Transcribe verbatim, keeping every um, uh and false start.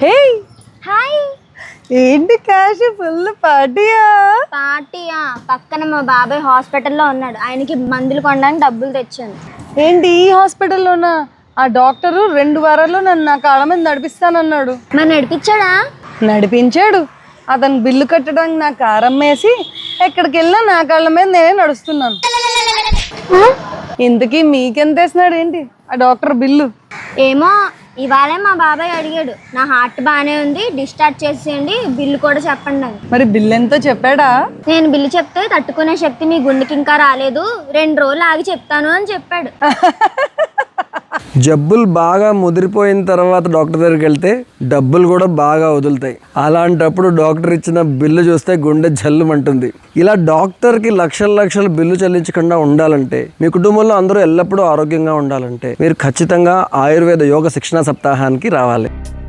హే hi. ఏంటి cash full పార్టీయా? పార్టీయా? పక్కన మా బాబాయ్ హాస్పిటల్లో ఉన్నాడు, ఆయనకి మందులు కొనడానికి డబ్బులు తెచ్చాను. ఏంటి ఈ హాస్పిటల్లోనా? ఆ డాక్టరు రెండు వారాల్లో నన్ను నా కాళ్ళ మీద నడిపిస్తానన్నాడు. మరి నడిపించాడా? నడిపించాడు. అతను బిల్లు కట్టడానికి నా కారం వేసి ఎక్కడికి వెళ్ళినా నా కాళ్ళ మీద నేనే నడుస్తున్నాను. ఇంతకీ మీకెంత వేసినాడు ఏంటి ఆ డాక్టర్ బిల్లు? ఏమో, ఇవాళే మా బాబాయ్ అడిగాడు, నా హార్ట్ బాగానే ఉంది, డిశ్చార్జ్ చేసేయండి, బిల్లు కూడా చెప్పండి అని. మరి బిల్లు ఎంతో చెప్పాడా? నేను బిల్లు చెప్తే తట్టుకునే శక్తి మీ గుండెకి ఇంకా రాలేదు, రెండు రోజులు ఆగి చెప్తాను అని చెప్పాడు. జబ్బులు బాగా ముదిరిపోయిన తర్వాత డాక్టర్ దగ్గరికి వెళ్తే డబ్బులు కూడా బాగా వదులుతాయి. అలాంటప్పుడు డాక్టర్ ఇచ్చిన బిల్లు చూస్తే గుండె జల్లుమంటుంది. ఇలా డాక్టర్కి లక్షల లక్షల బిల్లు చెల్లించకుండా ఉండాలంటే, మీ కుటుంబంలో అందరూ ఎల్లప్పుడూ ఆరోగ్యంగా ఉండాలంటే మీరు ఖచ్చితంగా ఆయుర్వేద యోగ శిక్షణ సప్తాహానికి రావాలి.